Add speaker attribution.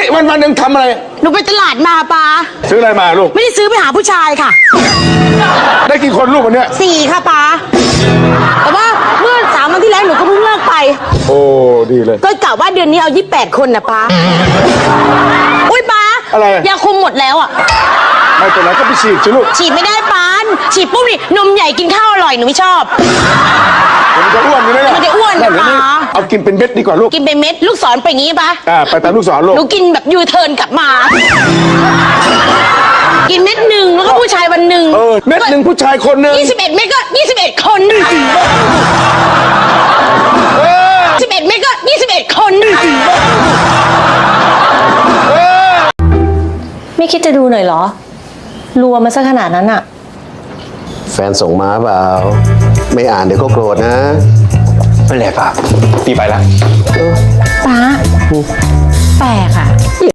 Speaker 1: นี่วันหนึ่งทำอะไร
Speaker 2: หนูไปตลาดมาป้า
Speaker 1: ซื้ออะไรมาลูก
Speaker 2: ไม่ได้ซื้อไปหาผู้ชายค่ะ
Speaker 1: ได้กี่คนลูกวันเนี้ย
Speaker 2: 4ค่ะป้าแต่ว่าเมื่อ3 วันที่แล้วหนูก็เพิ่งเลิกไป
Speaker 1: โอ้ดีเลย
Speaker 2: ก็กะว่าเดือนนี้เอา28 คนนะป้าอุ้ยป้า
Speaker 1: อะไร
Speaker 2: ยาคุมหมดแล้วอ่ะ
Speaker 1: ไม่เป็นไรก็ไปฉีดสิลูก
Speaker 2: ฉีดไม่ได้ป้าฉีดปุ๊บนี่นมใหญ่กินข้าวอร่อยหนูไม่ชอบ
Speaker 1: มันจะอ้วนอยู่เลย
Speaker 2: มันจะอ้วนนะป้า
Speaker 1: เอากินเป็นเม็ดดีกว่าลูก
Speaker 2: กินเป็นเม็ดลูกศรไปอย่างงี้ป้า
Speaker 1: ไปตามลูกศรลูก
Speaker 2: หนูกินแบบยูเทิร์นกลับมากินเม็ดหนึ่งแล้วก็ผู้ชายวันหนึ่ง
Speaker 1: เม็ดหนึ่งผู้ชายคนหนึ่ง
Speaker 2: 21 เม็ดก็21 คน11 เม็ดก็21 คน
Speaker 3: ไม่คิดจะดูหน่อยเหรอรัวมาซะขนาดนั้นอะ
Speaker 4: แฟนส่งมาเปล่าไม่อ่านเดี๋ยวก็โกรธนะ
Speaker 5: ไม่แหละป้าพี่ไปละ
Speaker 3: ป้าแปลกอะ